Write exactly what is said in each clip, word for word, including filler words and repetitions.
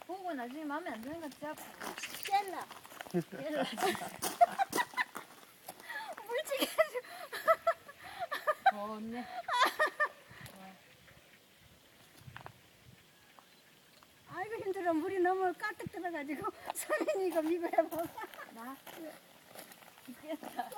보고 나중에 마음에 안 드는 거 잡고. 젤라. 젤라. 물찌개. 좋네. 아이고 힘들어. 물이 너무 가득 들어가지고 서민이가 이거 해봐. 나? 미끄럽다.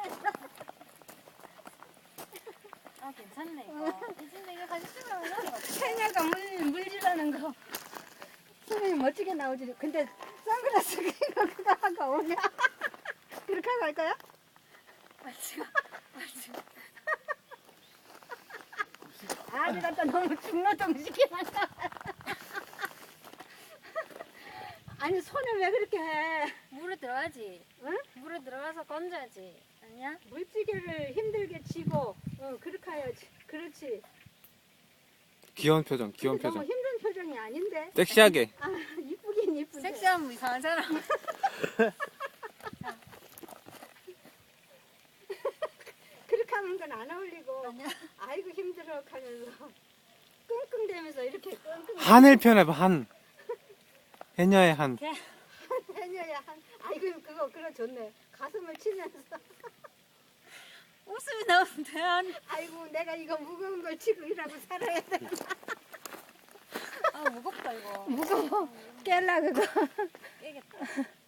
아, 괜찮네, 이거. 이 진짜 이거 사진 찍으면 나는 것 같아. 해녀가 물, 물질하는 거. 서민이 멋지게 나오지. 근데 선글라스 이거 그거 하고 오냐? 그렇게 하고 할 거야? 맞지? 맞지? 아, 내가 또 너무 중노동시키나. 아니, 손을 왜 그렇게 해? 물에 들어가지. 응? 물에 들어가서 건져야지. 아니야? 물찌개를 힘들게 쥐고, 어, 그렇게 해야지. 그렇지. 귀여운 표정, 귀여운 근데 너무 표정. 힘든 표정이 아닌데. 섹시하게. 아, 이쁘긴 이쁜데. 섹시하면 이상한 사람. 그렇게 하는 건 안 어울리고. 아니야? 아이고 힘들어 하면서 끙끙대면서 이렇게 끙끙. 한을 표현해봐, 한. 해녀의 한. 해녀야 한. 아이고 그거 그거 좋네. 가슴을 치면서. 웃음이 나오면 돼. 안- 아이고 내가 이거 무거운 걸 치고 일하고 살아야 돼. 아, 무겁다, 이거. 무거워. 깰라 그거. 깨겠다.